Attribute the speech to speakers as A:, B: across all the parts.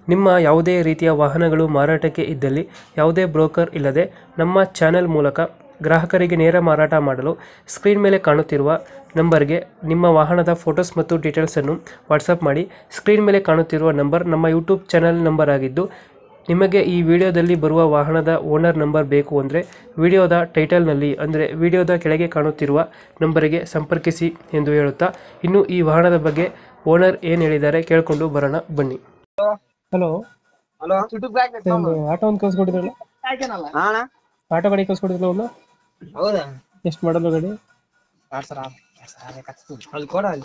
A: ನಿಮ್ಮ ಯಾವುದೇ ರೀತಿಯ ವಾಹನಗಳು ಮಾರಾಟಕ್ಕೆ ಇದ್ದಲ್ಲಿ ಯಾವುದೇ ಬ್ರೋಕರ್ ಇಲ್ಲದೆ ನಮ್ಮ ಚಾನೆಲ್ ಮೂಲಕ ಗ್ರಾಹಕರಿಗೆ ನೇರ ಮಾರಾಟ ಮಾಡಲು ಸ್ಕ್ರೀನ್ ಮೇಲೆ ಕಾಣುತ್ತಿರುವ ನಂಬರ್ಗೆ ನಿಮ್ಮ ವಾಹನದ ಫೋಟೋಸ್ ಮತ್ತು ಡೀಟೇಲ್ಸನ್ನು ವಾಟ್ಸಪ್ ಮಾಡಿ. ಸ್ಕ್ರೀನ್ ಮೇಲೆ ಕಾಣುತ್ತಿರುವ ನಂಬರ್ ನಮ್ಮ ಯೂಟ್ಯೂಬ್ ಚಾನೆಲ್ ನಂಬರ್ ಆಗಿದ್ದು, ನಿಮಗೆ ಈ ವಿಡಿಯೋದಲ್ಲಿ ಬರುವ ವಾಹನದ ಓನರ್ ನಂಬರ್ ಬೇಕು ಅಂದರೆ ವಿಡಿಯೋದ ಟೈಟಲ್ನಲ್ಲಿ ಅಂದರೆ ವಿಡಿಯೋದ ಕೆಳಗೆ ಕಾಣುತ್ತಿರುವ ನಂಬರಿಗೆ ಸಂಪರ್ಕಿಸಿ ಎಂದು ಹೇಳುತ್ತಾ, ಇನ್ನು ಈ ವಾಹನದ ಬಗ್ಗೆ ಓನರ್ ಏನು ಹೇಳಿದ್ದಾರೆ ಕೇಳಿಕೊಂಡು ಬರೋಣ ಬನ್ನಿ. ಹಲೋ
B: ಹಲೋ
A: ಒಂದು ಆಟೋ ಒಂದು ಕಳ್ಸ್ಕೊಟ್ಟಿದ್ರಲ್ಲ,
B: ಅಣ್ಣ
A: ಆಟೋ ಗಾಡಿ ಕಳ್ಸ್ಕೊಟ್ಟಿದ್ರಲ್ಲ ಒಂದು,
B: ಹೌದಾ
A: ಎಷ್ಟು ಮಾಡಲು ಗಾಡಿ?
B: ಅಲ್ಲಿ ಕೊಡ ಅಲ್ಲಿ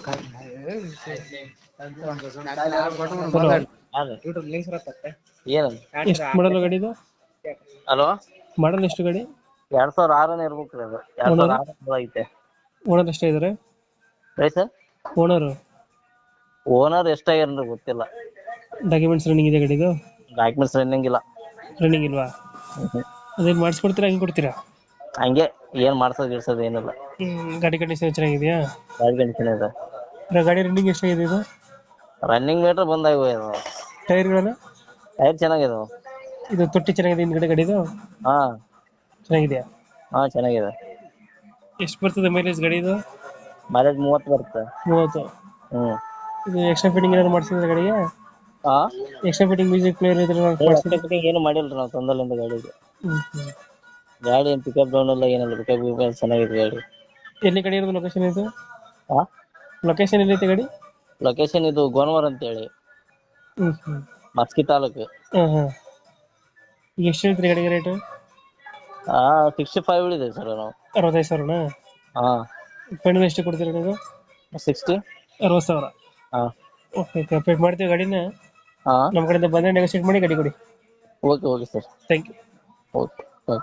A: ಎಷ್ಟು ಮಾಡಲು ಗಾಡಿ ಇದು?
C: ಹಲೋ
A: ಮಾಡಲ್ ಎಷ್ಟು ಗಾಡಿ?
C: 2006 ಇರ್ಬೇಕ್ರಿ ಅದು. 2006 ಐತೆ.
A: ಓನರ್ ಎಷ್ಟೇ ಇದಾರೆ?
C: ಸರ್
A: ಓನರ್
C: ಓನರ್ ಎಷ್ಟಾಗ್ಯಾರ ಗೊತ್ತಿಲ್ಲ.
A: ಡಾಕ್ಯುಮೆಂಟ್ಸ್ ರನ್ನಿಂಗ್ ಇದೆ ಗಾಡಿದು?
C: ಡಾಕ್ಯುಮೆಂಟ್ಸ್ ರನ್ನಿಂಗ್ ಇಲ್ಲ.
A: ರನ್ನಿಂಗ್ ಇಲ್ವಾ? ಅದೇನು ಮಾಡಿಸ್ಕೊಡ್ತೀರಾ ಹಂಗೆ ಕೊಡ್ತೀರಾ?
C: ಹಂಗೆ ಏನ್ ಮಾಡ್ಸೋದ್ ಏನಿಲ್ಲ.
A: ಗಾಡಿ ಕಂಡೀಷನ್ ಚೆನ್ನಾಗಿದೆಯಾ?
C: ಗಾಡಿ ಕಂಡೀಷನ್ ಇದೆ.
A: ಗಾಡಿ ರನ್ನಿಂಗ್ ಎಷ್ಟಾಗಿದೆ ಇದು?
C: ರನ್ನಿಂಗ್ ಮೀಟರ್ ಬಂದಾಗಿವೆ ಇದು.
A: ಟೈರ್ಗಳನ್ನ?
C: ಟೈರ್ ಚೆನ್ನಾಗಿದಾವ.
A: ಇದು ತೊಟ್ಟಿ ಚೆನ್ನಾಗಿದೆ ಹಿಂದ್ಗಡೆ ಗಾಡಿದು?
C: ಹಾ
A: ಚೆನ್ನಾಗಿದೆಯಾ?
C: ಹಾ ಚೆನ್ನಾಗಿದೆ.
A: ಎಷ್ಟು ಬರ್ತದೆ ಮೈಲೇಜ್ ಗಾಡಿ ಇದು?
C: ಮೈಲೇಜ್ 30 ಬರುತ್ತೆ.
A: 30. ಇದು ಎಕ್ಸ್ಟ್ರಾ ಫಿಟ್ಟಿಂಗ್ ಏನಾದ್ರು ಮಾಡಿಸಿದ್ರೆ ಗಾಡಿಗೆ?
C: ಹಾ
A: ಎಕ್ಸ್ಟ್ರಾ ಫಿಟ್ಟಿಂಗ್ ಮ್ಯೂಸಿಕ್ ಪ್ಲೇಯರ್ ಇದ್ರೆ
C: ಫಿಟ್ಟಿಂಗ್ ಏನು ಮಾಡಿಲ್ರಿ ನಾವು ತಂದಲ್ಲಿಂದ ಗಾಡಿಗೆ. ಗಾಡಿ ಏನ್ ಪಿಕಪ್ ಡೌನ್ ಇಲ್ಲ ಏನಿಲ್ಲ. ಪಿಕಪ್ ಚೆನ್ನಾಗಿದೆ ಗಾಡಿ.
A: ಎಲ್ಲಿ ಗಾಡಿ ಇರೋದು? ಲೊಕೇಶನ್ ಇದು?
C: ಹಾ
A: ಲೊಕೇಶನ್ ಎಲ್ಲೈತೆ ಗಾಡಿ?
C: ಲೊಕೇಶನ್ ಇದು ಗೋನವರ ಅಂತ ಹೇಳಿ, ಮಸ್ಕಿ ತಾಲೂಕು.
A: ಈಗ ಎಷ್ಟು ಹೇಳ್ತೀರಿ ಗಾಡಿಗೆ ರೇಟು?
C: 65 ಹೇಳಿದೆ ಸರ್ ನಾವು.
A: 65,000ನಾ?
C: ಹಾ
A: ಫೈನಲ್ ಎಷ್ಟು ಕೊಡ್ತೀರಾ ನೀವು?
C: 60.
A: 60,000.
C: ಹಾ
A: ಓಕೆ ಅಪ್ಡೇಟ್ ಮಾಡ್ತೀವಿ ಗಾಡಿನ.
C: ಹಾ
A: ನಮ್ಮ ಕಡೆಯಿಂದ ಬಂದರೆ ನೆಗೋಸಿಯೇಟ್ ಮಾಡಿ ಗಾಡಿ ಕೊಡಿ.
C: Okay sir.
A: Thank you.
C: Okay.